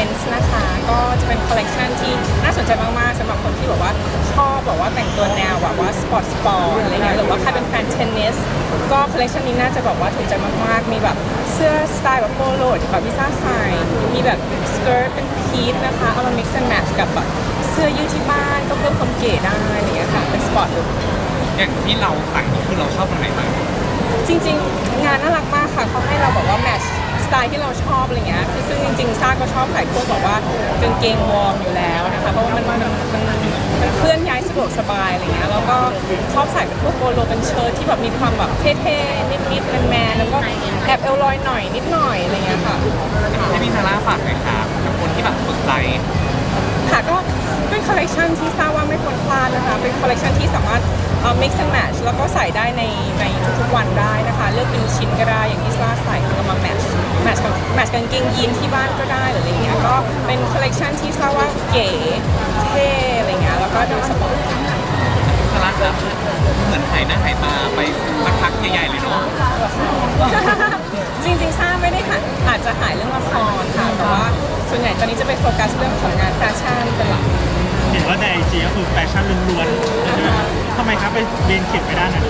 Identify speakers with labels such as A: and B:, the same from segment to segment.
A: Friends นะคะก็จะเป็นคอลเลกชันที่น่าสนใจมากๆสำหรับคนที่แบบว่าชอบแบบว่าแต่งตัวแนวแบบว่าสปอร์ตอะไรเงี้ยหรือว่าใครเป็นแฟนเทนนิสก็คอลเลกชันนี้น่าจะแบบว่าถูกใจมากๆมีแบบเสื้อสไตล์แบบโปโลแบบพิซซ่าใส่มีแบบสเกิร์ตเป็นพีทนะคะเอามา mix and match กับแบบเสื้อยืดที่บ้านก็เพิ่มความเก๋ได้อะไรเงี้ยค่ะเป็นสปอร์ตลุค
B: อย่างที่เราสั่งนี่คือเราชอบตรงไหนบ้าง
A: จริงๆงานน่ารักมากค่ะเขาให้เราแบบว่าแมทช์สไตล์ที่เราชอบอะไรเงี้ยคือซึ่งจริงๆซ่าก็ชอบใส่พวกแบบว่ากางเกงวอร์มอยู่แล้วนะคะเพราะว่ามันเคลื่อนย้ายสะดวกสบายอะไรเงี้ยแล้วก็ชอบใส่เป็นพวกโปโลเป็นเชิ้ตที่แบบมีความแบบเท่ๆนิดๆแมนๆแล้วก็แอบเอลลอยหน่อยนิดหน่อยอะไรเงี้ยค่ะ
B: ให้พี่ซาร่าฝากหน่อยครับกับคนที่แบบสนใจ
A: ค่ะก็เป็นคอลเลคชันที่ทราบว่าไม่ควรพลาดนะคะเป็นคอลเลคชันที่สามารถmix and match แล้วก็ใส่ได้ในทุกๆวันได้นะคะเลือกเป็นชิ้นก็ได้อย่างที่ซาใส่แล้วมา match กางเกงยีนที่บ้านก็ได้หรืออะไรเงี้ยก็เป็นคอลเลคชันที่ทราบว่าเก๋เท่อะไรเงี้ยแล้วก็ดูสปอร์ต
B: ซาร่าครับเหมือนหายหน้าหายตาไปสักพักใหญ่ๆเลยเนาะ
A: จริงๆซ่าไม่ได้หายอาจจะหายเรื่องละครค่ะแต่ว่าส่วนใหญ่ตอนนี้จะไปโฟกัสเรื่องของงานแฟชั่นเป็นหลัก
C: เห็นว่าในไอจีก็คือแฟชั่นล้วนๆทำไมครับไปเรียนเข็มไปด้านนั้น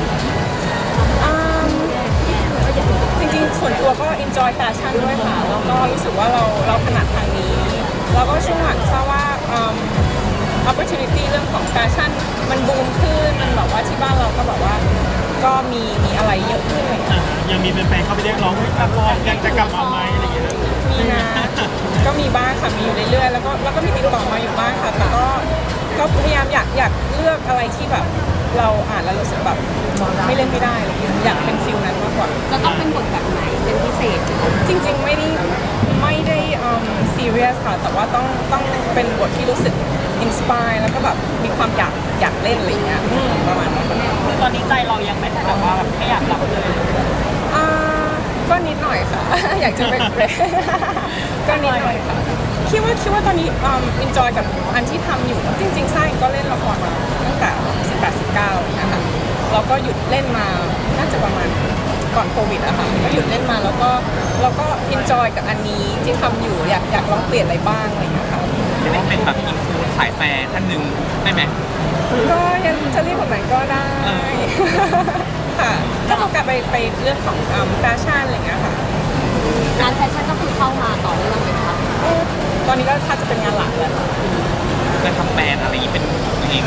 A: จริงๆส่วนตัวก็ enjoy แฟชั่นด้วยค่ะแล้วก็รู้สึกว่าเราถนัดทางนี้แล้วก็ช่วงหลังทราบว่าopportunity เรื่องของแฟชั่นมันบูมขึ้นมันแบบว่าที่บ้านเราก็แบบว่าก็มีอะไรเยอะขึ้นเลย
C: ยังมีแฟนๆเข้าไปเรียกร้องให้ละครยังจะกลับมาไหมอะไรอย่างเงี้ย
A: มีนะก็มีบ้างค่ะมีอยู่เรื่อยๆแล้วก็มีติดต่อมาอยู่บ้างค่ะแต่ก็พยายามอยากเลือกอะไรที่แบบเราอ่านแล้วรู้สึกแบบไม่เล่นไม่ได้อะไรอย่างเงี้ยอยากเป็นฟิลนั้นมากกว่า
D: จะต้องเป็นบทแบบไหนเป็นพิเศษ
A: จริงๆไม่ได้ซีเรียสค่ะแต่ว่าต้องเป็นบทที่รู้สึกอินสปายแล้วก็แบบมีความอยากเล่นอะไรอย่างเงี้ยประมาณนั้น
D: ตอนนี้ใจเรายังไม่ได้แบบว่าแบบไม่อยากรับเลย
A: ก็นิดหน่อยค่ะ อยากจะเบรกก็นิดหน่อยค่ะคิดว่าตอนนี้enjoy กับอันที่ทำอยู่จริงๆไส้ก็เล่นละครมาตั้งแต่18-19นะคะแล้วก็หยุดเล่นมาน่าจะประมาณก่อนโควิดอะค่ะก็หยุดเล่นมาแล้วก็ enjoy กับอันนี้ที่ทำอยู่อยากลองเปลี่ยนอะไรบ้างอะไรอย่างเงี้ยค่ะ
B: หรือว่าเป็นแบบอินฟูสายแฟร์ท่านหนึ่งได้ไหม
A: ก็ยังจะเรียกแบบไหนก็ได้ค่ะก็โฟกัสไปเรื่องของแฟชั่นอะไรอย่างเงี้ยค่ะ
D: งานแฟชั่นก็คือเข้ามาต่อเนื่องเลยค่ะ
A: ตอนนี้ก็ถ้าจะเป็นงานหลักแล้ว
B: จะทำแบรนด์อะไรอย่างนี้เป็นตัวเอง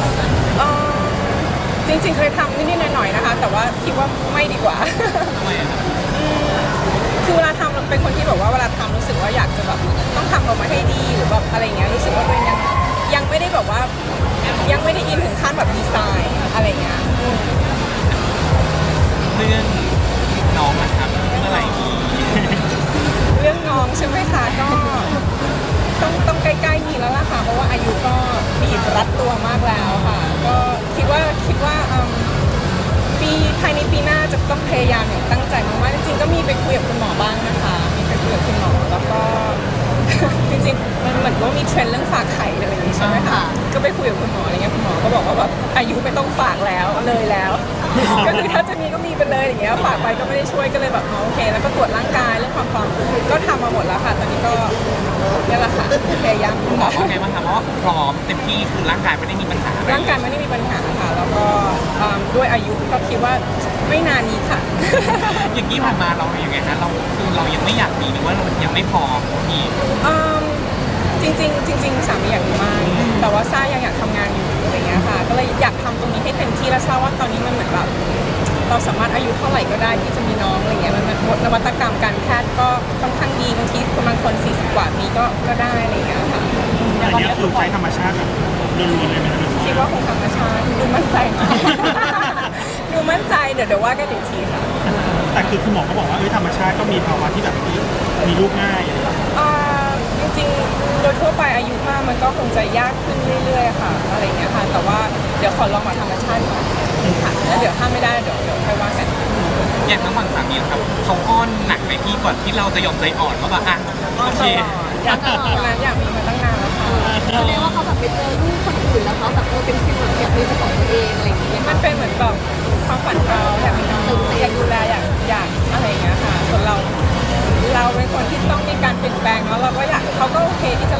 A: จริงๆเคยทำนิดๆหน่อยๆนะคะแต่ว่าคิดว่าไม่ดีกว่า
B: ทำไมครับ
A: คือเวลาทำเป็นคนที่แบบว่าเวลาทำรู้สึกว่าอยากจะแบบต้องทำออกมาให้ดีหรือแบบอะไรเงี้ยรู้สึกว่าตัวเองยังไม่ได้แบบว่ายังไม่ได้อินถึงขั้นแบบดีไซน์อะไรเงี้ย
B: เรื่องน้องนะครับเมื่อไหร่ดี
A: เรื่องน้องใช่ไหมคะก็ต้องใกล้ๆมีแล้วล่ะค่ะเพราะว่าอายุก็บีบรัดตัวมากแล้วค่ะก็คิดว่าภายในปีหน้าจะต้องพยายามอย่างตั้งใจมากๆจริงๆก็มีไปคุยกับคุณหมอบ้างนะคะมีไปคุยกับคุณหมอแล้วก็ จริงๆมันเหมือนว่ามีเทรนด์เรื่องฝากไข่อะไรอย่างนี้ใช่ไหมคะก็ไปคุยกับคุณหมออะไรเงี้ยคุณหมอก็บอกว่าแบบอายุไม่ต้องฝากแล้วเลยแล้ว ก็คือถ้าจะมีก็มีไปเลยอย่างเงี้ยฝากไปก็ไม่ได้ช่วยก็เลยแบบโอเคแล้วก็ตรวจร่างกายเรื่องความพร้อมก็ทำมาหมดแล้วค่ะตอนนี้ก็นี่แหละค่ะพยายาม
B: คุณหมอว่าไงบ้างคะว่าพร้อมเต็มที่คือร่างกายไม่ได้มีปัญหา
A: ร่างกายไม่ได้มีปัญหาค่ะแล้วก็ด้วยอายุก็คิดว่าไม่นานนี้ค่ะ
B: อย่างนี้ผ่านมาเราอย่างไงฮะเรายังไม่อยากมีหรือว่าเรายังไม่พร้อมพี่
A: จริงสามีอยากมีมากแต่ว่าซ่ายังอยากทำงานอยู่อะไรเงี้ยค่ะก็เลยอยากทำตรงนี้ให้เต็มที่แล้วซ่าว่าตอนนี้มันเหมือนแบบเราสามารถอายุเท่าไหร่ก็ได้ที่จะมีน้องอะไรเงี้ยมันนวัตกรรมการแพทย์ก็ค่อนข้างดีบางทีบางคน40 กว่ามีก็ได้อะไรเงี้ยค่ะ
C: อันนี้คือใช้ธรรมชาติแบบล้วนๆเลยไหมครับ
A: คิดว่าคงธรรมชาติดูมั่นใจมาก ดูมั่นใจเดี๋ยวว่ากันอีกทีค่ะ
C: แต่คือคุณหมอก็บอกว่าธรรมชาติก็มีภาวะที่แบบมีลูกง่าย
A: จริงๆโดยทั่วไปอายุมากมันก็คงจะยากขึ้นเรื่อยๆค่ะอะไรเงี้ยค่ะแต่ว่าเดี๋ยวขอลองมาธรรมชาติก่อนค่ะแล้วเดี๋ยวถ้าไม่ได้เดี๋ยวค่อยว่ากัน
B: อย่างทั้งฝั่งสามีครับเขาอ้อนหนักไหมพี่ก่อนที่เราจะยอมใจอ่อนว่าแบบอ่ะโอเค
A: อยากมีมาตั้งนานแล้วค่ะ
D: แสดงว่าเขาแบบไปเจอลูกคนอื่นแล้วเขาแบบเป็นฟิลแบบอยากมีเป็นของตัวเองอะไรอย่างเงี้ย
A: มันเป็นเหมือนแบบความฝันเขาอยากมีน้องอยากดูแลอยากอะไรอย่างเงี้ยค่ะส่วนเราเป็นคนที่ต้องมีการเปลี่ยนแปลงแล้วเราก็อยากเขาก็โอเค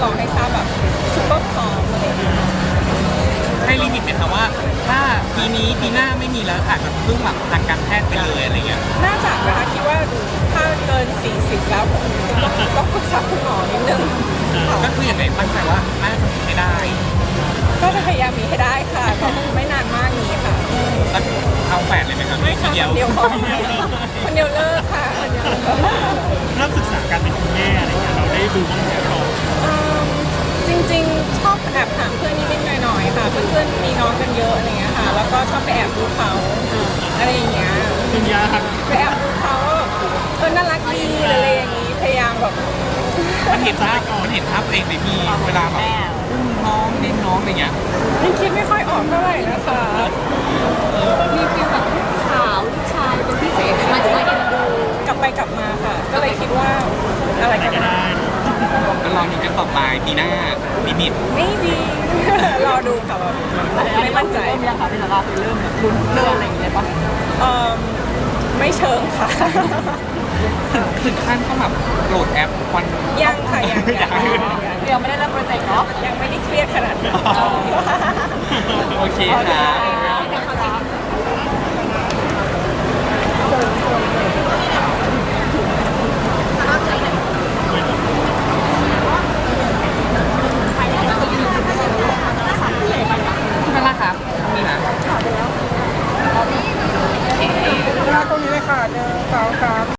A: รอให้ทราบแบบซุปเปอร์พร้อมอะไรอย่างเงี้ย
B: ให้ลิมิตไหมคะว่า ถ้าปีนี้ปีหน้าไม่มีแล้วอาจจะพึ่งหลักทางการแพทย์ไปเลยอะไรเงี้ย
A: น่าจะนะคะคิดว่าถ้าเกิน 40 แล้วผมต้องปรึกษาคุณหมอนิดนึงค่ะ
B: ก็คืออย่างไรตั้งใจว่าน่าจะมีให้ได้
A: ก็จะพยายามมีให้ได้ค่ะก็ไม่นานมากนี้ค่ะ
B: แล้วเอาแฝดเลยไหมครับ
A: ไม่
B: ที
A: ค่ะ
B: เดียว
A: คนเดียวพอคนเดียวเลิกค่ะคนเดียวเลิก
C: เริ่มศึกษาการเป็นคุณแม่อะไรเงี้ยเราได้ดูบ้างไหมก่อน
A: จริงๆ ชอบแอบถามเพื่อนนิดๆหน่อยๆค่ะเพื่อนๆมีน้องกันเยอะอะไรเงี้ยค่ะ แล้วก็ชอบไปแอบดูเขาอะไรอย่างเงี้ย
C: คุณยาหัก
A: ไปแอบดูเขาน่ารักดีหรืออะไรอย่างงี้พยายามแบบ
B: มันเห็นภาพตัวเองในพี่เวลาแบบอุ้มน้องเล่นน้องอะไรเงี้ย
A: ยังคิดไม่ค่อยออกเท่าไหร่นะคะ
D: มีฟีลแบบขาวลูกชายเป็นพิเศษไหมจะได้เอ็นดู
A: กลับไปกลับมาค่ะ ก็เลยคิดว่าอะไรกัน
C: ก็ได้
B: ก็ลองดูกันต่อไปปีหน้าลิมิต
A: ไม่ดี รอดูค่ะรอดูไม่มั่นใจ
D: เริ่มยังคะพี่ซาร่าเริ่มแบบลุ้นเรื่องอะไรอย่างเงี้ยปะ
A: เอ่อไม่เชิงค่ะ
B: ถึงขั้นต้องแบบโหลดแอปวัน
A: ยังค่ะยัง
D: ยังไม่ได้เริ่มโปรเจกต์เนาะ
A: ยังไม่ได้เครียดขนาดนั้น
B: โอเคค่ะ
D: เดี๋ยวเขาจะ